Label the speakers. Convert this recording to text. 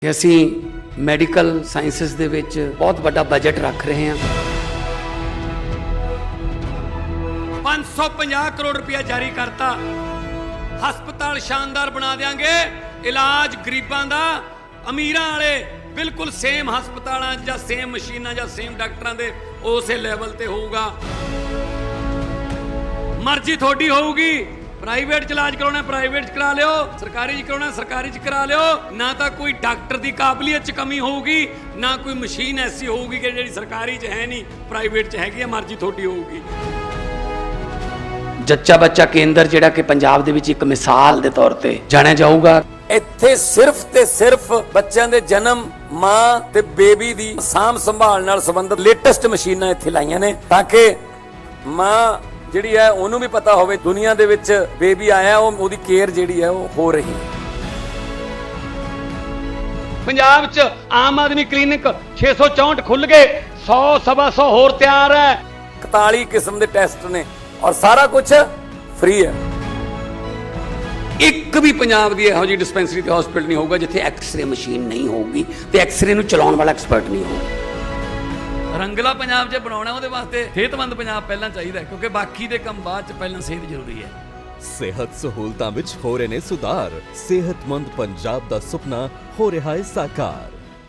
Speaker 1: ਕਿ ਅਸੀਂ medical sciences ਦੇ ਵਿੱਚ ਬਹੁਤ ਵੱਡਾ ਬਜਟ ਰੱਖ ਰਹੇ ਹਾਂ। 550 ਕਰੋੜ ਰੁਪਇਆ ਜਾਰੀ ਕਰਤਾ। ਹਸਪਤਾਲ ਸ਼ਾਨਦਾਰ ਬਣਾ ਦੇਾਂਗੇ। ਇਲਾਜ ਗਰੀਬਾਂ ਦਾ ਅਮੀਰਾਂ ਵਾਲੇ ਬਿਲਕੁਲ ਸੇਮ ਹਸਪਤਾਲਾਂ ਜਾਂ ਸੇਮ ਮਸ਼ੀਨਾਂ ਜਾਂ ਸੇਮ ਡਾਕਟਰਾਂ ਦੇ ਉਸੇ ਲੈਵਲ ਤੇ ਹੋਊਗਾ। ਮਰਜ਼ੀ ਤੁਹਾਡੀ ਹੋਊਗੀ। ਪ੍ਰਾਈਵੇਟ ਚ ਇਲਾਜ ਕਰਾਉਣਾ ਪ੍ਰਾਈਵੇਟ ਚ ਕਰਾ ਲਿਓ, ਸਰਕਾਰੀ ਚ ਕਰਾਉਣਾ ਸਰਕਾਰੀ ਚ ਕਰਾ ਲਿਓ। ਨਾ ਤਾਂ ਕੋਈ ਡਾਕਟਰ ਦੀ ਕਾਬਲੀਅਤ ਚ ਕਮੀ ਹੋਊਗੀ, ਨਾ ਕੋਈ ਮਸ਼ੀਨ ਐਸੀ ਹੋਊਗੀ ਕਿ ਜਿਹੜੀ ਸਰਕਾਰੀ ਚ ਹੈ ਨਹੀਂ ਪ੍ਰਾਈਵੇਟ ਚ ਹੈਗੀ ਆ। ਮਰਜ਼ੀ ਤੁਹਾਡੀ ਹੋਊਗੀ। ਜੱਚਾ ਬੱਚਾ ਕੇਂਦਰ ਜਿਹੜਾ ਕਿ ਪੰਜਾਬ ਦੇ ਵਿੱਚ ਇੱਕ ਮਿਸਾਲ ਦੇ ਤੌਰ ਤੇ ਜਾਣਿਆ ਜਾਊਗਾ।
Speaker 2: ਇੱਥੇ ਸਿਰਫ ਤੇ ਸਿਰਫ ਬੱਚਿਆਂ ਦੇ ਜਨਮ, ਮਾਂ ਤੇ ਬੇਬੀ ਦੀ ਸਾਂਭ ਸੰਭਾਲ ਨਾਲ ਸੰਬੰਧਿਤ ਲੇਟੈਸਟ ਮਸ਼ੀਨਾਂ ਇੱਥੇ ਲਾਈਆਂ ਨੇ ਤਾਂ ਕਿ ਮਾਂ ਜਿਹੜੀ ਹੈ ਉਹਨੂੰ ਵੀ ਪਤਾ ਹੋਵੇ ਦੁਨੀਆ ਦੇ ਵਿੱਚ ਬੇਬੀ ਆਇਆ, ਉਹਦੀ ਕੇਅਰ ਜਿਹੜੀ ਹੈ ਉਹ ਹੋ ਰਹੀ ਹੈ।
Speaker 1: ਪੰਜਾਬ 'ਚ ਆਮ ਆਦਮੀ ਕਲੀਨਿਕ 664 ਖੁੱਲ ਗਏ, 100 ਸਵਾ 100 ਹੋਰ ਤਿਆਰ ਹੈ।
Speaker 2: 41 ਕਿਸਮ ਦੇ ਟੈਸਟ ਨੇ ਔਰ ਸਾਰਾ ਕੁਝ ਫ੍ਰੀ ਹੈ।
Speaker 1: ਇੱਕ ਵੀ ਪੰਜਾਬ ਦੀ ਇਹੋ ਜਿਹੀ ਡਿਸਪੈਂਸਰੀ ਤੇ ਹਸਪੀਟਲ ਨਹੀਂ ਹੋਊਗਾ ਜਿੱਥੇ ਐਕਸ-ਰੇ ਮਸ਼ੀਨ ਨਹੀਂ ਹੋਊਗੀ ਤੇ ਐਕਸ-ਰੇ ਨੂੰ ਚਲਾਉਣ ਵਾਲਾ ਐਕਸਪਰਟ ਨਹੀਂ ਹੋਊਗਾ।
Speaker 3: ਰੰਗਲਾ ਪੰਜਾਬ ਜੇ ਬਣਾਉਣਾ ਉਹਦੇ ਵਾਸਤੇ ਸਿਹਤਮੰਦ ਪੰਜਾਬ ਪਹਿਲਾਂ ਚਾਹੀਦਾ, ਕਿਉਂਕਿ ਬਾਕੀ ਦੇ ਕੰਮ ਬਾਅਦ ਚ, ਪਹਿਲਾਂ ਸਿਹਤ ਜ਼ਰੂਰੀ ਹੈ।
Speaker 4: ਸਿਹਤ ਸਹੂਲਤਾਂ ਵਿੱਚ ਹੋ ਰਹੇ ਨੇ ਸੁਧਾਰ। ਸਿਹਤਮੰਦ ਪੰਜਾਬ ਦਾ ਸੁਪਨਾ ਹੋ ਰਿਹਾ ਹੈ ਸਾਕਾਰ।